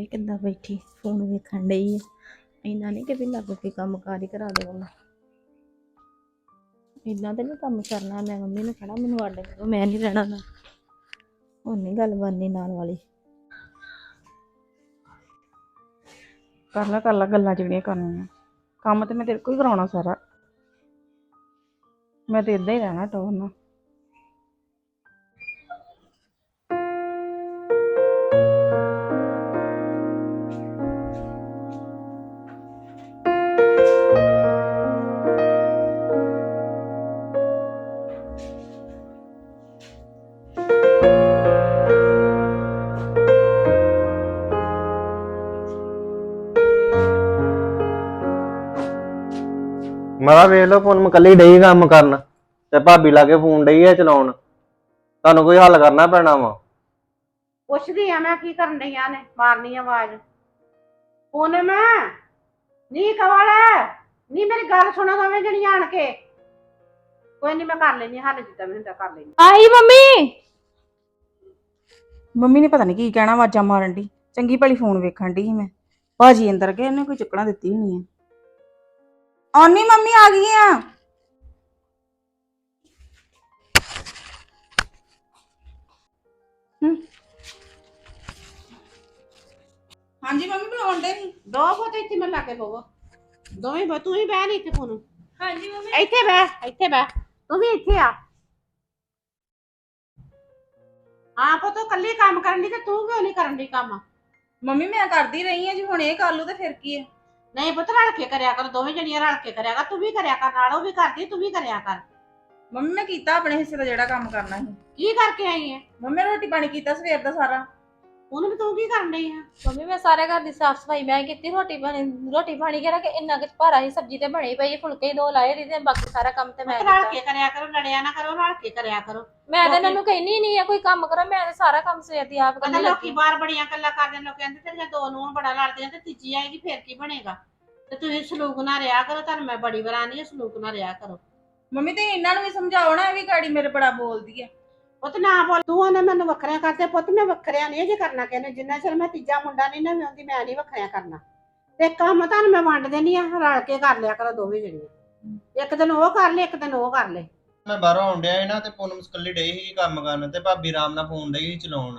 ਵੇ ਕਿੱਦਾਂ ਬੈਠੀ ਫੋਨ ਵੇਖਣ ਡਈ ਆ। ਇੰਨਾ ਨਹੀਂ ਕਿ ਵੀ ਲੱਗ ਕੇ ਕੰਮ ਕਾਰ ਹੀ ਕਰਾ ਦੇ ਉਹਨਾਂ। ਇੰਨਾ ਤੇ ਨਹੀਂ ਕੰਮ ਕਰਨਾ। ਮੈਂ ਮੰਮੀ ਨੂੰ ਕਹਿਣਾ ਮੈਨੂੰ ਅੱਡ ਕਰੋ, ਮੈਂ ਨਹੀਂ ਰਹਿਣਾ ਨਾ। ਹੁਣ ਨਹੀਂ ਗੱਲ ਬਣਨੀ ਨਾਲ ਵਾਲੀ। ਕਰ ਲਾ ਗੱਲਾਂ ਜਿਹੜੀਆਂ ਕਰਨੀਆਂ। ਕੰਮ ਤੇ ਮੈਂ ਤੇਰੇ ਕੋਲ ਹੀ ਕਰਾਉਣਾ ਸਾਰਾ। ਮੈਂ ਤੇ ਇਦਾਂ ਹੀ ਰਹਿਣਾ ਟੋਰ ਨਾਲ। ਮੈਂ ਵੇਖ ਲਓ ਫੋਨ ਕੱਲੀ ਡਈ ਕੰਮ ਕਰਨ ਤੇ ਭਾਬੀ ਲਾਗੇ ਫੋਨ ਡਈ ਆ ਚਲਾਉਣ। ਤੁਹਾਨੂੰ ਕੋਈ ਹੱਲ ਕਰਨਾ ਪੈਣਾ ਵਾ। ਪੁੱਛਦੀ ਆ ਮੈਂ ਕੀ ਕਰਨ ਡਈਆਂ ਨੇ ਮਾਰਨੀ ਆਵਾਜ਼। ਪੂਨਮ ਨੀ ਕਵਲ ਨੀ ਮੇਰੀ ਗੱਲ ਸੁਣੋ ਦੋਵੇਂ ਜਣੀਆਂ ਆਣ ਕੇ। ਕੋਈ ਨਹੀਂ ਮੈਂ ਕਰ ਲੈਣੀ ਹੱਲ ਜਿੱਦਾਂ ਵੀ ਹੁੰਦਾ ਕਰ ਲੈਣੀ। ਆਈ ਮੰਮੀ। ਮੰਮੀ ਨੇ ਪਤਾ ਨਹੀਂ ਕੀ ਕਹਿਣਾ, ਆਵਾਜ਼ਾਂ ਮਾਰਨ ਦੀ। ਚੰਗੀ ਭਲੀ ਫੋਨ ਵੇਖਣ ਦੀ ਸੀ ਮੈਂ। ਭਾਜੀ ਅੰਦਰ ਗਏ, ਇਹਨੇ ਕੋਈ ਚੁੱਕਣਾ ਦਿੱਤੀ ਹੋਣੀ ਆ। ਆਉਣੀ ਮੰਮੀ ਆ ਗਈ ਆ। ਹਾਂਜੀ ਮੰਮੀ ਬੁਲਾਉਣ ਦੇ ਸੀ। ਦੋ ਪੁੱਤ ਇੱਥੇ ਮੈਂ ਲਾ ਕੇ ਪਵੋ ਦੋਵੇਂ ਤੂੰ ਹੀ ਬਹਿ ਨਹੀਂ ਇੱਥੇ ਫੋਨ। ਹਾਂਜੀ ਮੰਮੀ। ਇੱਥੇ ਬਹਿ ਤੂੰ ਵੀ ਇੱਥੇ ਆ। ਹਾਂ ਪੁੱਤ ਕੱਲੀ ਕੰਮ ਕਰਨ ਦੀ ਤੇ ਤੂੰ ਕਿਉਂ ਨਹੀਂ ਕਰਨ ਦੀ ਕੰਮ? ਮੰਮੀ ਮੈਂ ਕਰਦੀ ਰਹੀ ਆ ਜੀ, ਹੁਣ ਇਹ ਕਰ ਲੂ ਤੇ ਫਿਰ ਕੀ ਹੈ। ਨਹੀਂ ਪੁੱਤ ਰਲ ਕੇ ਕਰਿਆ ਕਰ, ਦੋਵੇਂ ਜਣੀਆਂ ਰਲ ਕੇ ਕਰਿਆ ਕਰ। ਤੂੰ ਵੀ ਕਰਿਆ ਕਰ ਨਾਲ, ਉਹ ਵੀ ਕਰਦੀ ਤੂੰ ਵੀ ਕਰਿਆ ਕਰ। ਮੰਮੀ ਮੈਂ ਕੀਤਾ ਆਪਣੇ ਹਿੱਸੇ ਦਾ ਜਿਹੜਾ ਕੰਮ ਕਰਨਾ ਸੀ। ਕੀ ਕਰਕੇ ਆਈ ਹੈ? ਮੰਮੀ ਰੋਟੀ ਪਾਣੀ ਕੀਤਾ ਸਵੇਰ ਦਾ ਸਾਰਾ। ਉਹਨੂੰ ਵੀ ਤੂੰ ਕੀ ਕਰਨ ਡਈ ਆ? ਮੰਮੀ ਮੈਂ ਸਾਰੇ ਘਰ ਦੀ ਸਾਫ ਸਫਾਈ ਮੈਂ ਕੀਤੀ। ਰੋਟੀ ਪਾਣੀ ਕਰਾ ਕੇ ਇੰਨਾ ਕੁ ਭਾਰਾ ਹੀ ਸਬਜ਼ੀ ਤੇ ਬਣੀ ਪਈ, ਫੁਲਕੇ ਹੀ ਦੋ ਲਾਏ ਰਹੀ ਤੇ ਬਾਕੀ ਸਾਰਾ ਕੰਮ ਤੇ ਮੈਂ ਰਲ ਕੀਤਾ। ਕੇ ਕਰਿਆ ਕਰੋ, ਲੜਿਆ ਨਾ ਕਰੋ, ਰਲ ਕੇ ਕਰਿਆ ਕਰੋ। ਮੈਂ ਤਾਂ ਇਹਨਾਂ ਨੂੰ ਕਹਿਨੀ ਨਹੀਂ ਆ ਕੋਈ ਕੰਮ ਕਰੋ, ਮੈਂ ਤਾਂ ਸਾਰਾ ਕੰਮ ਸਵੇਰ ਦੀ ਆਪ ਪਤਾ ਕਰਨੀ ਲੋਕੀ ਲੱਗੀ। ਬਾਹਰ ਬੜੀਆਂ ਗੱਲਾਂ ਕਰਦੇ ਨੇ, ਲੋਕ ਕਹਿੰਦੇ ਤੇਰੀਆਂ ਦੋ ਨੂੰਹਾਂ ਬੜਾ ਲੜਦੀਆਂ ਤੇ ਤੀਜੀ ਆਏਗੀ ਫੇਰ ਕੀ ਬਣੇਗਾ? ਤੇ ਤੁਸੀਂ ਸਲੂਕ ਨਾ ਰਿਹਾ ਕਰੋ। ਤੁਹਾਨੂੰ ਮੈਂ ਬੜੀ ਵਾਰ ਆਨੀ ਸਲੂਕ ਨਾ ਰਿਹਾ ਕਰੋ। ਮੰਮੀ ਤੇ ਇਹਨਾਂ ਨੂੰ ਵੀ ਸਮਝਾਓ ਨਾ, ਇਹ ਵੀ ਗਾੜੀ ਮੇਰੇ ਬੜਾ ਬੋਲਦੀ ਆ। ਪੁੱਤ ਨਾ ਬੋਲ ਤੂੰ। ਉਹਨੇ ਮੈਨੂੰ ਵੱਖਰਿਆਂ ਕਰਦੇ। ਪੁੱਤ ਮੈਂ ਵੱਖਰਿਆਂ ਨਹੀਂ ਜੇ ਕਰਨਾ ਕਹਿੰਦੇ, ਜਿੰਨਾ ਚਿਰ ਮੈਂ ਤੀਜਾ ਮੁੰਡਾ ਨਹੀਂ ਨਾ ਵਿਆਹੁੰਦੀ ਮੈਂ ਨਹੀਂ ਵੱਖਰਿਆਂ ਕਰਨਾ। ਤੇ ਕੰਮ ਤੁਹਾਨੂੰ ਮੈਂ ਵੰਡ ਦੇਣੀ ਆ, ਰਲ ਕੇ ਕਰ ਲਿਆ ਕਰੋ ਦੋਵੇਂ ਜਣੀਆਂ। ਇੱਕ ਦਿਨ ਉਹ ਕਰ ਲੈ, ਇੱਕ ਦਿਨ ਉਹ ਕਰ ਲੈ। ਮੈਂ ਬਾਹਰੋਂ ਆਉਣ ਡਿਆ ਸੀ ਨਾ ਤੇ ਪੂਨਮ ਕੱਲੀ ਡਈ ਸੀ ਕੰਮ ਕਰਨ ਤੇ ਭਾਬੀ ਆਰਾਮ ਨਾਲ ਫੋਨ ਡਈ ਸੀ ਚਲਾਉਣ।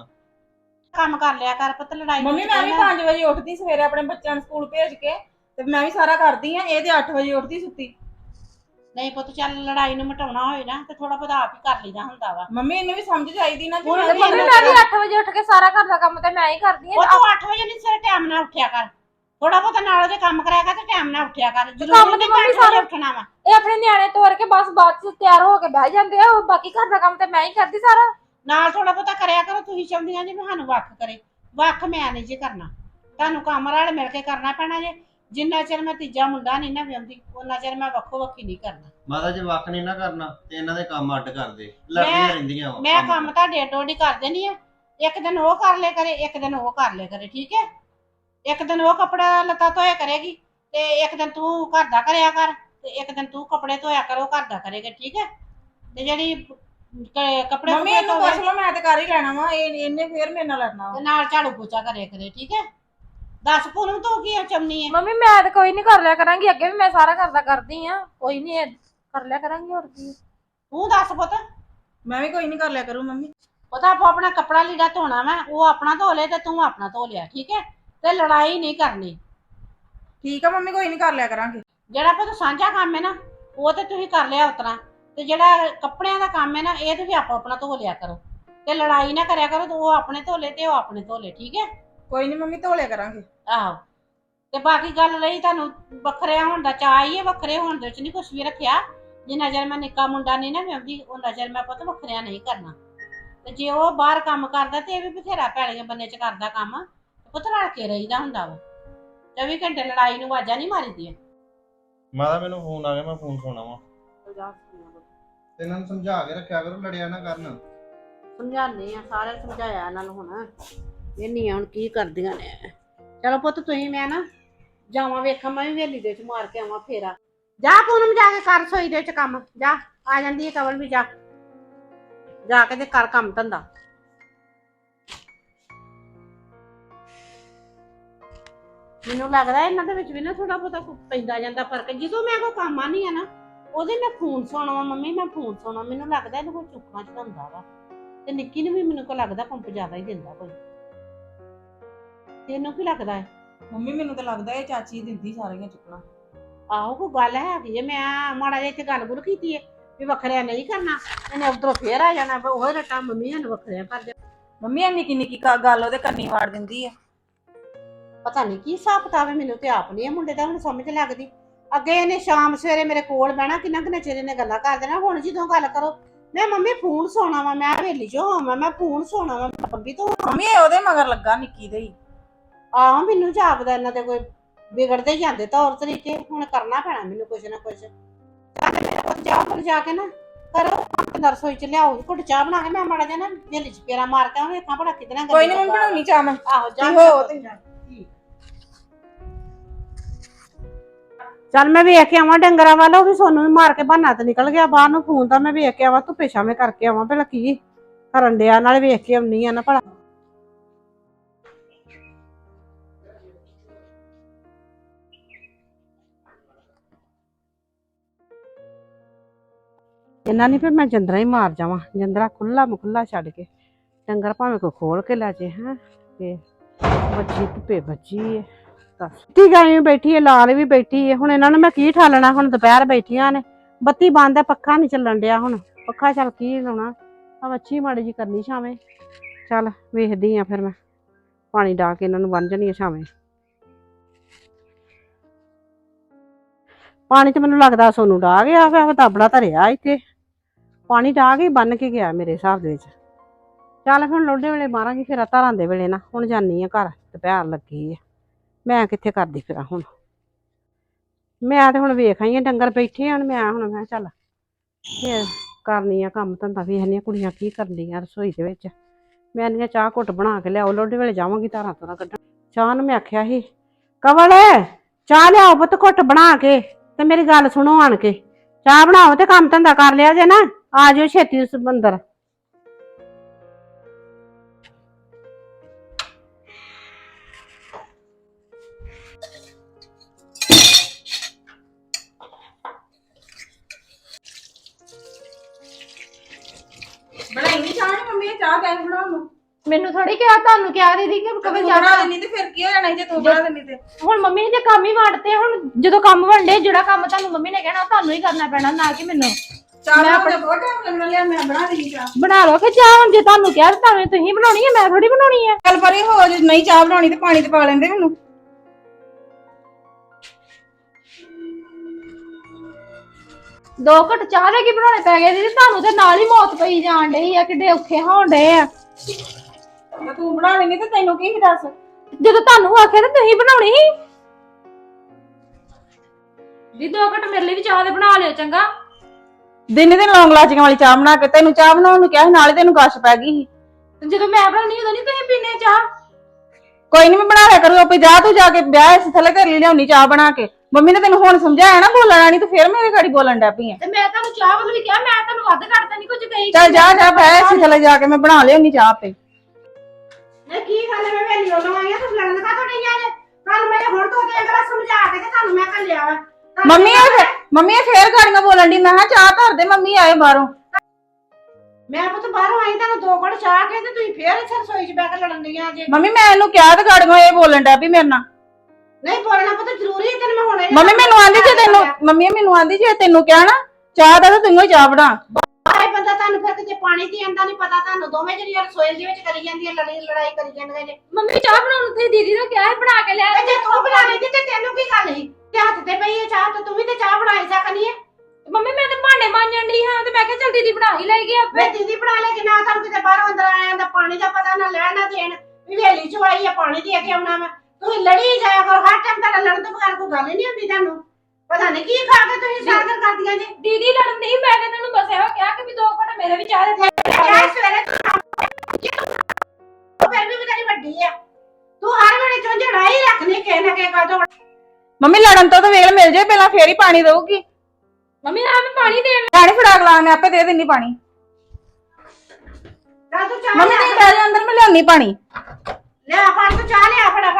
ਕੰਮ ਕਰ ਲਿਆ ਕਰ ਪੁੱਤ। ਲੜਾਈ ਮੰਮੀ ਮੈਂ ਵੀ 5 ਵਜੇ ਉੱਠਦੀ ਸਵੇਰੇ ਆਪਣੇ ਬੱਚਿਆਂ ਨੂੰ ਸਕੂਲ ਭੇਜ ਕੇ, ਤੇ ਮੈਂ ਵੀ ਸਾਰਾ ਕਰਦੀ ਆ। ਇਹ ਤੇ 8 ਵਜੇ ਉੱਠਦੀ ਸੁੱਤੀ। ਨਹੀਂ ਪੁੱਤ ਚੱਲ ਲੜਾਈ ਨੂੰ ਮਿਟਾਉਣਾ ਹੋਏ ਨਾ ਤੇ ਥੋੜਾ ਬਹੁਤਾ ਆਪ ਹੀ ਕਰ ਲਈਦਾ ਹੁੰਦਾ ਵਾ। ਮੰਮੀ ਇਹਨੂੰ ਵੀ ਸਮਝ ਚਾਹੀਦੀ ਨਾ ਕਿ ਹੁਣ ਮੈਂ ਵੀ ਮੰਮੀ ਮੈਂ ਵੀ 8 ਵਜੇ ਉੱਠ ਕੇ ਸਾਰਾ ਘਰ ਦਾ ਕੰਮ ਤੇ ਮੈਂ ਹੀ ਕਰਦੀ ਉਹ ਆ। ਤੂੰ 8 ਵਜੇ ਨਹੀਂ ਸਵੇਰੇ ਟਾਈਮ ਨਾਲ ਉੱਠਿਆ ਕਰ। ਥੋੜਾ ਬਹੁਤਾ ਨਾਲ ਉਹਦੇ ਕੰਮ ਕਰਾਇਆ ਕਰ ਤੇ ਟਾਈਮ ਨਾਲ ਉੱਠਿਆ ਕਰ। ਕੰਮ ਜ਼ਰੂਰੀ ਤੇ ਨਹੀਂ ਮੰਮੀ 8 ਵਜੇ ਸਾਰਾ ਉੱਠਣਾ ਵਾ। ਇਹ ਆਪਣੇ ਨਿਆਣੇ ਤੋਰ ਕੇ ਬਸ ਬਾਅਦ ਚ ਤਿਆਰ ਹੋ ਕੇ ਬਹਿ ਜਾਂਦੇ ਆ। ਬਾਕੀ ਘਰ ਦਾ ਕੰਮ ਤੇ ਮੈਂ ਹੀ ਕਰਦੀ ਸਾਰਾ। ਨਾਲ ਥੋੜਾ ਬਹੁਤਾ ਕਰਿਆ ਕਰੋ। ਤੁਸੀਂ ਚਾਹੁੰਦੀਆਂ ਜੀ ਮੈਂ ਸਾਨੂੰ ਵੱਖ ਕਰੇ, ਵੱਖ ਮੈਂ ਨਹੀਂ ਜੀ ਕਰਨਾ। ਤੁਹਾਨੂੰ ਕੰਮ ਨਾਲ ਮਿਲ ਕੇ ਕਰਨਾ ਪੈਣਾ ਜੇ। ਜਿੰਨਾ ਚਿਰ ਮੈਂ ਤੀਜਾ ਮੁੰਡਾ ਨਹੀਂ ਨਾ ਵਿਆਹੁੰਦੀ ਉਹਨਾਂ ਚਿਰ ਮੈਂ ਵੱਖੋ ਵੱਖੀ ਨਹੀਂ ਕਰਨਾ। ਮਾਤਾ ਜੇ ਵੱਖ ਨਹੀਂ ਨਾ ਕਰਨਾ ਤੇ ਇਹਨਾਂ ਦੇ ਕੰਮ ਅੱਡ ਕਰਦੇ, ਲੜਦੀਆਂ ਰਹਿੰਦੀਆਂ ਵਾ। ਮੈਂ ਕੰਮ ਤੁਹਾਡੇ ਅੱਡੋ ਅੱਡੀ ਕਰ ਦੇਣੀ ਆ। ਇੱਕ ਦਿਨ ਉਹ ਕਰ ਲਿਆ ਕਰੇ, ਇੱਕ ਦਿਨ ਉਹ ਕਰ ਲਿਆ ਕਰੇ, ਠੀਕ ਹੈ? ਇੱਕ ਦਿਨ ਉਹ ਕੱਪੜਾ ਲੱਤਾ ਧੋਇਆ ਕਰੇਗੀ ਤੇ ਇੱਕ ਦਿਨ ਤੂੰ ਘਰ ਦਾ ਕਰਿਆ ਕਰ, ਤੇ ਇੱਕ ਦਿਨ ਤੂੰ ਕੱਪੜੇ ਧੋਇਆ ਕਰੋ ਘਰ ਦਾ ਕਰੇਗਾ, ਠੀਕ ਹੈ? ਤੇ ਜਿਹੜੀ ਕੱਪੜੇ ਮੰਮੀ ਇਹਨੂੰ ਪੁੱਛ ਲਓ, ਮੈਂ ਤੇ ਕਰ ਹੀ ਲੈਣਾ ਵਾ। ਇਹਨੇ ਫੇਰ ਮੇਰੇ ਨਾਲ ਲੜਨਾ ਵਾ। ਤੇ ਨਾਲ ਝਾੜੂ ਪੋਚਾ ਕਰਿਆ ਕਰੇ, ਠੀਕ ਹੈ? ਦੱਸ ਪੂਨਮ ਤੂੰ ਕੀ ਚਮਨੀ ਹੈ? ਮੰਮੀ ਮੈਂ ਤਾਂ ਕੋਈ ਨਹੀਂ ਕਰ ਲਿਆ ਕਰਾਂਗੀ, ਅੱਗੇ ਵੀ ਮੈਂ ਸਾਰਾ ਘਰ ਦਾ ਕਰਦੀ ਆ। ਕੋਈ ਨਹੀਂ ਕਰ ਲਿਆ ਕਰਾਂਗੀ, ਹੋਰ ਕੀ। ਤੂੰ ਦੱਸ ਪੁੱਤ। ਮੈਂ ਵੀ ਕੋਈ ਨਹੀਂ ਕਰ ਲਿਆ ਕਰੂ ਮੰਮੀ। ਪਤਾ ਆਪੋ ਆਪਣਾ ਕੱਪੜਾ ਲੀੜਾ ਧੋਣਾ ਵਾ, ਉਹ ਆਪਣਾ ਧੋ ਲੈ ਤੇ ਤੂੰ ਆਪਣਾ ਧੋ ਲਿਆ, ਠੀਕ ਹੈ? ਤੇ ਲੜਾਈ ਨਹੀਂ ਕਰਨੀ। ਠੀਕ ਆ ਮੰਮੀ, ਕੋਈ ਨਹੀਂ ਕਰ ਲਿਆ ਕਰਾਂਗੇ। ਜਿਹੜਾ ਪੁੱਤ ਸਾਂਝਾ ਕੰਮ ਹੈ ਨਾ ਉਹ ਤੇ ਤੁਸੀਂ ਕਰ ਲਿਆ ਉਤਰਾ, ਤੇ ਜਿਹੜਾ ਕੱਪੜਿਆਂ ਦਾ ਕੰਮ ਹੈ ਨਾ ਇਹ ਤੇ ਵੀ ਆਪੋ ਆਪਣਾ ਧੋ ਲਿਆ ਕਰੋ। ਤੇ ਲੜਾਈ ਨਾ ਕਰਿਆ ਕਰੋ। ਤੇ ਉਹ ਆਪਣੇ ਧੋ ਲੈ ਤੇ ਉਹ ਆਪਣੇ ਧੋ ਲੈ, ਠੀਕ ਹੈ? ਕੋਈ ਨਹੀਂ ਮੰਮੀ, ਧੋ ਲਿਆ ਕਰਾਂਗੇ। ਆਹੋ। ਤੇ ਬਾਕੀ ਗੱਲ ਰਹੀ ਤੁਹਾਨੂੰ ਵੱਖਰੇ ਹੋਣ ਦਾ ਚਾਅ ਹੀ ਹੈ, ਵੱਖਰੇ ਹੋਣ ਦੇ ਵਿੱਚ ਨਹੀਂ ਕੁਛ ਵੀ ਰੱਖਿਆ। ਜਿੰਨਾ ਚਿਰ ਮੈਂ ਨਿੱਕਾ ਮੁੰਡਾ ਨਹੀਂ ਨਾ ਵਿਆਹੁੰਦੀ ਉਹਨਾਂ ਚਿਰ ਮੈਂ ਪੁੱਤ ਵੱਖਰਿਆਂ ਨਹੀਂ ਕਰਨਾ। ਤੇ ਜੇ ਉਹ ਬਾਹਰ ਕੰਮ ਕਰਦਾ ਤੇ ਇਹ ਵੀ ਬਥੇਰਾ ਪੈਲੀਆਂ ਬੰਨੇ ਚ ਕਰਦਾ ਕੰਮ, ਪੁੱਤ ਰਲ ਕੇ ਰਹੀਦਾ ਹੁੰਦਾ ਵਾ। 24 ਘੰਟੇ ਲੜਾਈ ਨੂੰ ਆਵਾਜ਼ਾਂ ਨਹੀਂ ਮਾਰੀਦੀਆਂ। ਮਾਤਾ ਮੈਨੂੰ ਫੋਨ ਆ ਗਿਆ, ਮੈਂ ਫੋਨ ਸੁਣਾ ਵਾ। ਤੇ ਇਹਨਾਂ ਨੂੰ ਸਮਝਾ ਕੇ ਰੱਖਿਆ ਕਰੋ, ਲੜਿਆ ਨਾ ਕਰਨ। ਸਮਝਾਉਂਦੇ ਆ, ਸਾਰੇ ਸਮਝਾਇਆ ਇਹਨਾਂ ਨੂੰ। ਹੁਣ ਵੇਹਨੀ ਹੁਣ ਕੀ ਕਰਦੀਆਂ ਨੇ। ਚਲੋ ਪੁੱਤ ਤੁਸੀਂ ਮੈਂ ਨਾ ਜਾਵਾਂ ਵੇਖਾਂ, ਮੈਂ ਵੀ ਹਵੇਲੀ ਦੇ ਵਿੱਚ ਮਾਰ ਕੇ ਆਵਾਂ ਫੇਰਾ। ਜਾ ਪੂਨਮ ਜਾ ਕੇ ਕਰ ਸੋਈ ਦੇ ਵਿੱਚ ਕੰਮ, ਜਾ ਆ ਜਾਂਦੀ ਹੈ ਕਵਲ ਵੀ, ਜਾ ਕੇ ਤੇ ਕਰ ਕੰਮ ਧੰਦਾ। ਮੈਨੂੰ ਲੱਗਦਾ ਇਹਨਾਂ ਦੇ ਵਿੱਚ ਵੀ ਨਾ ਥੋੜਾ ਬਹੁਤਾ ਪੈਂਦਾ ਜਾਂਦਾ ਫਰਕ। ਜਦੋਂ ਮੈਂ ਕੋਈ ਕੰਮ ਆ ਨਹੀਂ ਆ ਨਾ ਉਹਦੇ ਮੈਂ ਫੋਨ ਸੁਣਾਉਣਾ ਵਾ, ਮੰਮੀ ਮੈਂ ਫੋਨ ਸੁਣਾਉਣਾ, ਮੈਨੂੰ ਲੱਗਦਾ ਇਹਨੂੰ ਕੋਈ ਚੁੱਕਣਾ ਚੜਾਉਂਦਾ ਵਾ। ਤੇ ਨਿੱਕੀ ਨੂੰ ਵੀ ਮੈਨੂੰ ਕੋ ਲੱਗਦਾ ਪੰਪ ਜ਼ਿਆਦਾ ਹੀ ਦਿੰਦਾ ਕੋਈ। ਤੈਨੂੰ ਕੀ ਲੱਗਦਾ ਹੈ? ਮੰਮੀ ਮੈਨੂੰ ਤਾਂ ਲੱਗਦਾ ਇਹ ਚਾਚੀ ਦਿੰਦੀ ਸਾਰੀਆਂ ਚੁੱਕਣਾ। ਆਹੋ ਕੋਈ ਗੱਲ ਹੈਗੀ ਹੈ। ਮੈਂ ਮਾੜਾ ਜਿਹਾ ਇੱਥੇ ਗੱਲ ਗੁੱਲ ਕੀਤੀ ਹੈ ਵੀ ਵੱਖਰਿਆ ਨਹੀਂ ਕਰਨਾ, ਇਹਨੇ ਉਧਰੋਂ ਫੇਰ ਆ ਜਾਣਾ ਉਹ ਰੱਟਾ ਮੰਮੀ ਸਾਨੂੰ ਵੱਖਰਿਆ ਕਰ ਦੇ। ਮੰਮੀ ਇਹ ਨਿੱਕੀ ਨਿੱਕੀ ਗੱਲ ਉਹਦੇ ਕੰਨੀ ਵਾੜ ਦਿੰਦੀ ਆ। ਪਤਾ ਨਹੀਂ ਕੀ ਹਿਸਾਬ ਕਿਤਾਬ ਹੈ, ਮੈਨੂੰ ਤੇ ਆਪ ਨਹੀਂ ਇਹ ਮੁੰਡੇ ਦਾ ਹੁਣ ਸਮਝ ਲੱਗਦੀ। ਅੱਗੇ ਇਹਨੇ ਸ਼ਾਮ ਸਵੇਰੇ ਮੇਰੇ ਕੋਲ ਬਹਿਣਾ, ਕਿੰਨਾ ਕਿੰਨਾ ਚਿਰ ਇਹਨੇ ਗੱਲਾਂ ਕਰ ਦੇਣਾ। ਹੁਣ ਜਦੋਂ ਗੱਲ ਕਰੋ ਮੈਂ ਮੰਮੀ ਫੋਨ ਸੋਣਾ ਵਾ, ਮੈਂ ਹਵੇਲੀ ਚੋਂ ਹੋਵਾਂ, ਮੈਂ ਫੋਨ ਸੋਣਾ ਵਾ ਬੰਬੀ ਤੋਂ। ਮੰਮੀ ਇਹ ਉਹਦੇ ਮਗਰ ਲੱਗਾ ਨਿੱਕੀ ਦੇ ਹੀ। ਆਹ ਮੈਨੂੰ ਜਾਪਦਾ ਇਹਨਾਂ ਦੇ ਕੋਈ ਵਿਗੜਦੇ ਹੀ ਜਾਂਦੇ ਤੌਰ ਤਰੀਕੇ। ਹੁਣ ਕਰਨਾ ਪੈਣਾ ਮੈਨੂੰ ਕੁਛ ਨਾ ਕੁਛ। ਚੱਲ ਮੇਰੇ ਕੋਲ ਜਾਓ ਜਾ ਕੇ ਨਾ ਕਰੋ ਰਸੋਈ ਚ ਲਿਆਓ ਘੁੱਟ ਚਾਹ ਬਣਾ ਕੇ, ਮੈਂ ਮਾੜਾ ਜਿਹਾ ਨਾ ਹਵੇਲੀ ਚ ਫੇਰਾ ਮਾਰ ਕੇ ਵੇਖਾਂ ਭਲਾ ਕਿਤਨਾ। ਕੋਈ ਨਹੀਂ ਮੈਂ ਬਣਾਉਣੀ ਚਾਹ ਮੈਂ। ਆਹੋ ਜਾ ਹੋ ਤੇ ਚੱਲ ਮੈਂ ਵੇਖ ਕੇ ਆਵਾਂ ਡੰਗਰਾਂ ਵਾਲਾ, ਉਹ ਵੀ ਸੋਨੂੰ ਵੀ ਮਾਰ ਕੇ ਬਹਾਨਾ ਤੇ ਨਿਕਲ ਗਿਆ ਬਾਹਰ ਨੂੰ। ਫੋਨ ਤਾਂ ਮੈਂ ਵੇਖ ਕੇ ਆਵਾਂ, ਧੁੱਪੇ ਛਾਵੇਂ ਕਰਕੇ ਆਵਾਂ ਭਲਾ ਕੀ ਕਰਨ ਡਿਆ, ਨਾਲੇ ਵੇਖ ਕੇ ਆਉਣੀ ਆ ਨਾ ਭਲਾ। ਇਹਨਾਂ ਨਹੀਂ ਫਿਰ ਮੈਂ ਜੰਦਰਾ ਹੀ ਮਾਰ ਜਾਵਾਂ, ਜੰਦਰਾ ਖੁੱਲਾ ਮਖੁੱਲਾ ਛੱਡ ਕੇ। ਡੰਗਰ ਭਾਵੇਂ ਕੋਈ ਖੋਲ ਕੇ ਲੈ ਜੇ। ਹੈ ਤੇ ਬੱਚੀ ਧੁੱਪੇ ਬੱਚੀ ਹੈ। ਤੀ ਗਾਈ ਬੈਠੀ ਹੈ, ਲਾਲ ਵੀ ਬੈਠੀ ਹੈ। ਹੁਣ ਇਹਨਾਂ ਨੂੰ ਮੈਂ ਕੀ ਠਾਲਣਾ, ਹੁਣ ਦੁਪਹਿਰ ਬੈਠੀਆਂ ਨੇ, ਬੱਤੀ ਬੰਦ ਹੈ, ਪੱਖਾ ਨਹੀਂ ਚੱਲਣ ਡਿਆ। ਹੁਣ ਪੱਖਾ ਚੱਲ ਕੀ ਲਾਉਣਾ, ਆ ਵੱਛੀ ਮਾੜੀ ਜੀ ਕਰਨੀ ਛਾਵੇਂ। ਚੱਲ ਵੇਖਦੀ ਆ ਫਿਰ ਮੈਂ ਪਾਣੀ ਡਾ ਕੇ ਇਹਨਾਂ ਨੂੰ ਬੰਨ ਜਣੀ ਛਾਵੇਂ। ਪਾਣੀ ਤੇ ਮੈਨੂੰ ਲੱਗਦਾ ਸੋਨੂੰ ਡਾ ਗਿਆ ਵਾ, ਤਾਬੜਾ ਧਰਿਆ ਇੱਥੇ ਪਾਣੀ ਡਾ ਕੇ ਬੰਨ ਕੇ ਗਿਆ ਮੇਰੇ ਹਿਸਾਬ ਦੇ ਵਿੱਚ। ਚੱਲ ਹੁਣ ਲੋਡੇ ਵੇਲੇ ਮਾਰਾਂਗੀ ਫਿਰ ਧਾਰਾਂ ਦੇ ਵੇਲੇ ਨਾ। ਹੁਣ ਜਾਨੀ ਆ ਘਰ, ਦੁਪਹਿਰ ਲੱਗੀ ਆ, ਮੈਂ ਕਿੱਥੇ ਕਰਦੀ ਫਿਰਾਂ ਹੁਣ। ਮੈਂ ਤੇ ਹੁਣ ਵੇਖ ਆਈ ਆ ਡੰਗਰ ਬੈਠੇ ਹਨ। ਮੈਂ ਕਿਹਾ ਚੱਲ ਫਿਰ ਕਰਨੀ ਆ ਕੰਮ ਧੰਦਾ, ਵੇਖਣੀ ਆ ਕੁੜੀਆਂ ਕੀ ਕਰਦੀਆਂ ਰਸੋਈ ਦੇ ਵਿੱਚ। ਮੈਂ ਨਹੀਂ ਚਾਹ ਘੁੱਟ ਬਣਾ ਕੇ ਲਿਆਓ, ਲੋਡੇ ਵੇਲੇ ਜਾਵਾਂਗੀ ਧਾਰਾਂ ਧੁਰਾਂ ਕੱਢਣ। ਚਾਹ ਨੂੰ ਮੈਂ ਆਖਿਆ ਸੀ ਕਵਲ ਚਾਹ ਲਿਆਓ ਪੁੱਤ ਘੁੱਟ ਬਣਾ ਕੇ, ਤੇ ਮੇਰੀ ਗੱਲ ਸੁਣੋ ਆਣ ਕੇ। ਚਾਹ ਬਣਾਓ ਤੇ ਕੰਮ ਧੰਦਾ ਕਰ ਲਿਆ ਜੇ ਨਾ, ਆ ਜਾਓ ਛੇਤੀ ਉਸ ਅੰਦਰ। ਬਣਾਈ ਨਹੀਂ ਚਾਹ ਨੀ ਮੰਮੀ, ਇਹ ਚਾਹ ਕਹਿ ਬਣਾਉਣ ਨੂੰ। ਮੈਨੂੰ ਥੋੜੀ ਕਿਹਾ, ਤੁਹਾਨੂੰ ਕਿਹਾ ਦੀਦੀ ਕਿ ਕਦੇ ਤੂੰ ਜਾਣਾ। ਬਣਾ ਦੇਣੀ ਤੇ ਫਿਰ ਕੀ ਹੋ ਜਾਣਾ ਜੇ ਤੂੰ ਬਣਾ ਦੇਣੀ ਤੇ। ਹੁਣ ਮੰਮੀ ਨੇ ਜੇ ਕੰਮ ਹੀ ਵੰਡਤੇ, ਹੁਣ ਜਦੋਂ ਕੰਮ ਵੰਡੇ, ਜਿਹੜਾ ਕੰਮ ਤੁਹਾਨੂੰ ਮੰਮੀ ਨੇ ਕਹਿਣਾ ਤੁਹਾਨੂੰ ਹੀ ਕਰਨਾ ਪੈਣਾ, ਨਾ ਕਿ ਮੈਨੂੰ। ਚਾਹ ਬਣਾਉਣ ਦਾ ਬਹੁਤ ਟਾਈਮ ਲੱਗਣਾ, ਲਿਆ ਮੈਂ ਬਣਾ ਦੇਣੀ ਚਾਹ। ਬਣਾ ਲਓ ਕਿ ਚਾਹ, ਹੁਣ ਜੇ ਤੁਹਾਨੂੰ ਕਿਹਾ ਤਾਂ ਤੁਸੀਂ ਬਣਾਉਣੀ ਹੈ, ਮੈਂ ਥੋੜੀ ਬਣਾਉਣੀ ਹੈ। ਚੱਲ ਪਰੇ ਹੋ, ਜੇ ਨਹੀਂ ਚਾਹ ਬਣਾਉਣੀ ਤੇ ਪਾਣੀ ਤੇ ਪਾ ਲੈਂਦੇ ਮੈਨੂੰ। ਦੋ ਘਟ ਚਾਹ ਦੇ ਕੀ ਬਣਾਉਣੇ ਪੈ ਗਏ ਦੀਦੀ ਤੁਹਾਨੂੰ, ਤੇ ਨਾਲ ਹੀ ਮੌਤ ਪਈ ਜਾਣ ਡਈ ਆ, ਕਿੱਡੇ ਔਖੇ ਹੋਣ ਡਏ ਆ। ਤੇ ਤੂੰ ਬਣਾ ਲੈਣੀ ਤੇ ਤੈਨੂੰ ਕੀ ਦੱਸ। ਜਦੋਂ ਤੁਹਾਨੂੰ ਆਖਿਆ ਤਾਂ ਤੁਸੀਂ ਬਣਾਉਣੀ ਸੀ। ਦੀ ਦੋ ਘਟ ਮੇਰੇ ਲਈ ਵੀ ਚਾਹ ਦੇ ਬਣਾ ਲਿਓ ਚੰਗਾ। ਦਿਨੇ ਦਿਨ ਲੌਂਗ ਲਾਚੀਆਂ ਵਾਲੀ ਚਾਹ ਬਣਾ ਕੇ ਤੈਨੂੰ ਚਾਹ ਬਣਾਉਣ ਨੂੰ ਕਿਹਾ ਸੀ, ਨਾਲੇ ਤੈਨੂੰ ਗਸ਼ ਪੈ ਗਈ ਸੀ। ਤੇ ਜਦੋਂ ਮੈਂ ਬਣਾਉਣੀ ਉਦੋਂ ਨਹੀਂ ਤੁਸੀਂ ਪੀਨੇ ਚਾਹ। ਕੋਈ ਨਹੀਂ ਮੈਂ ਬਣਾ ਲਿਆ ਕਰੂ, ਆਪੇ ਜਾ ਤੂੰ ਜਾ ਕੇ ਵਿਆਹ ਇਸ ਥੱਲੇ ਘਰ ਲਿਆਉਣੀ ਚਾਹ ਬਣਾ ਕੇ। ਮੰਮੀ ਨੇ ਤੈਨੂੰ ਹੁਣ ਸਮਝਾਇਆ ਨਾ ਬੋਲਣਾ ਨਹੀਂ, ਤੂੰ ਫੇਰ ਮੇਰੇ ਗਾੜੀ ਬੋਲਣ ਡੈ ਪਈ ਆ। ਤੇ ਮੈਂ ਤੁਹਾਨੂੰ ਚਾਹ ਵੱਲ ਵੀ ਕਿਹਾ, ਮੈਂ ਤੁਹਾਨੂੰ ਵੱਧ ਘੱਟ ਨਹੀਂ ਕੁਝ ਕਹੀ। ਚੱਲ ਜਾ ਜਾ ਬਹਿ ਇਸ ਥੱਲੇ ਜਾ ਕੇ ਮੈਂ ਬਣਾ ਲਿਆਉਣੀ ਚਾਹ ਆਪੇ। ਨਹੀਂ ਕੀ ਗੱਲ ਹੈ, ਮੈਂ ਵੇਲੀ ਉਹਨੂੰ ਆਈ ਆ, ਤੁਸੀਂ ਲੜਨ ਕਾ ਤੋਂ ਨਹੀਂ ਆਏ? ਕੱਲ ਮੈਂ ਹੁਣ ਤੋਂ ਤੇ ਅੰਦਰ ਸਮਝਾ ਕੇ ਤੇ ਤੁਹਾਨੂੰ ਮੈਂ ਕੱਲਿਆ ਵਾ। ਮੰਮੀ ਇਹ ਫੇਰ ਗਾੜੀਆਂ ਬੋਲਣ ਦੀ। ਮੈਂ ਕਿਹਾ ਚਾਹ ਧਰ ਦੇ, ਮੰਮੀ ਆਏ ਬਾਹਰੋਂ। ਮੈਂ ਪੁੱਤ ਬਾਹਰੋਂ ਆਈ, ਤੁਹਾਨੂੰ ਦੋ ਘੜ ਚਾਹ ਕੇ ਤੇ ਤੁਸੀਂ ਫੇਰ ਇੱਥੇ ਰਸੋਈ 'ਚ ਬੈ ਕੇ ਲੜਨ ਦੀਆਂ ਜੇ। ਮੰਮੀ ਮੈਂ ਇਹਨੂੰ ਕਿਹਾ ਤੇ ਗਾੜੀਆਂ ਇਹ ਬੋਲਣ ਡੈ ਪਈ ਮੇਰੇ ਨਾਲ। ਨਹੀਂ ਬੋਲਣਾ ਪੁੱਤ ਜ਼ਰੂਰੀ ਹੈ, ਤੈਨੂੰ ਮੈਂ ਹੁਣੇ ਮੰਮੀ ਮੈਨੂੰ ਆਂਦੀ ਜੇ ਤੈਨੂੰ ਕਿਹਾ ਨਾ ਚਾਹ ਦਾ ਤਾਂ ਤੈਨੂੰ ਹੀ ਚਾਹ ਬਣਾ। ਆਏ ਬੰਦਾ ਤੁਹਾਨੂੰ ਫਿਰ ਕਿਤੇ ਪਾਣੀ ਦੀ ਆਂਦਾ ਨਹੀਂ ਪਤਾ, ਤੁਹਾਨੂੰ ਦੋਵੇਂ ਜਿਹੜੀਆਂ ਰਸੋਈ ਦੇ ਵਿੱਚ ਕਰੀ ਜਾਂਦੀਆਂ ਲੜਾਈ ਕਰੀ ਜਾਂਦੀਆਂ ਜੇ। ਮੰਮੀ ਚਾਹ ਬਣਾਉਣ ਨੂੰ ਤੁਸੀਂ ਦੀਦੀ ਨੂੰ ਕਿਹਾ ਹੈ ਬਣਾ ਕੇ ਲਿਆ। ਤੇ ਜੇ ਤੂੰ ਬਣਾ ਲੈਂਦੀ ਤੇ ਤੈਨੂੰ ਕੀ ਗੱਲ ਸੀ? ਤੇ ਹੱਥ ਤੇ ਪਈ ਹੈ ਚਾਹ, ਤੇ ਤੂੰ ਵੀ ਤੇ ਚਾਹ ਬਣਾਈ ਸਕਣੀ ਹੈ। ਮੰਮੀ ਮੈਂ ਤੇ ਭਾਂਡੇ ਮਾਂਜਣ ਡਈ ਹਾਂ, ਤੇ ਮੈਂ ਕਿਹਾ ਚੱਲ ਦੀਦੀ ਬਣਾ ਹੀ ਲਏਗੀ ਆਪੇ। ਮੈਂ ਦੀਦੀ ਬਣਾ ਲੈ ਕਿ ਨਾ, ਤੁਹਾਨੂੰ ਕਿਤੇ ਬਾਹਰੋਂ ਅੰਦਰ ਆਇਆ ਦਾ ਪਾਣੀ ਦਾ ਪਤਾ ਨਾ ਲੈਣ ਨਾ ਦੇਣ, ਵੀ ਹਵੇਲੀ 'ਚ ਆਈ ਆ ਪਾਣੀ ਦੇ ਕੇ ਆਉਣਾ ਮੈਂ। ਤੁਸੀਂ ਲੜੀ ਜਾਇਆ ਕਰੋ ਹਰ ਟਾਈਮ, ਤੁਹਾਡਾ ਲੜਨ ਤੋਂ ਬਗੈਰ ਕੋਈ ਗੱਲ ਹੀ ਨਹੀਂ ਹੁੰਦੀ ਤੁਹਾਨੂੰ। ਪਤਾ ਨਹੀਂ ਕੀ ਖਾ ਕੇ ਤੁਸੀਂ ਸਾਗਰ ਕਰਦੀਆਂ ਜੀ। ਦੀਦੀ ਲੜਨ ਨਹੀਂ, ਮੈਂ ਤੇ ਇਹਨਾਂ ਨੂੰ ਬਸ ਇਹੋ ਕਿਹਾ ਕਿ ਵੀ ਦੋ ਘੰਟੇ ਮੇਰੇ ਵੀ ਚਾਹ ਦੇ ਚਾਹ ਸਵੇਰੇ ਫਿਰ ਵੀ ਤੇਰੀ ਵੱਡੀ ਆ, ਤੂੰ ਹਰ ਵੇਲੇ ਝੰਜੜਾ ਹੀ ਰੱਖਣੀ ਕਿਸੇ ਨਾ ਕਿਸੇ ਗੱਲ ਤੋਂ। ਮੰਮੀ ਲੜਨ ਤੋਂ ਤਾਂ ਵੇਲ ਮਿਲ ਜੇ ਪਹਿਲਾਂ, ਫੇਰ ਹੀ ਪਾਣੀ ਦਊਗੀ। ਮੰਮੀ ਆ ਮੈਂ ਪਾਣੀ ਦੇਣ। ਪਾਣੀ ਫੜਾ ਗਲਾ, ਮੈਂ ਆਪੇ ਦੇ ਦਿੰਨੀ ਪਾਣੀ। ਤਾਂ ਤੂੰ ਚਾਹ ਮੰਮੀ ਨਹੀਂ ਬਹਿ ਜਾ ਅੰਦਰ, ਮੈਂ ਲਿਆਉਣੀ ਪਾਣੀ। ਲਿਆ ਫੜ ਤੂੰ ਚਾਹ ਲਿਆ ਫੜਾ।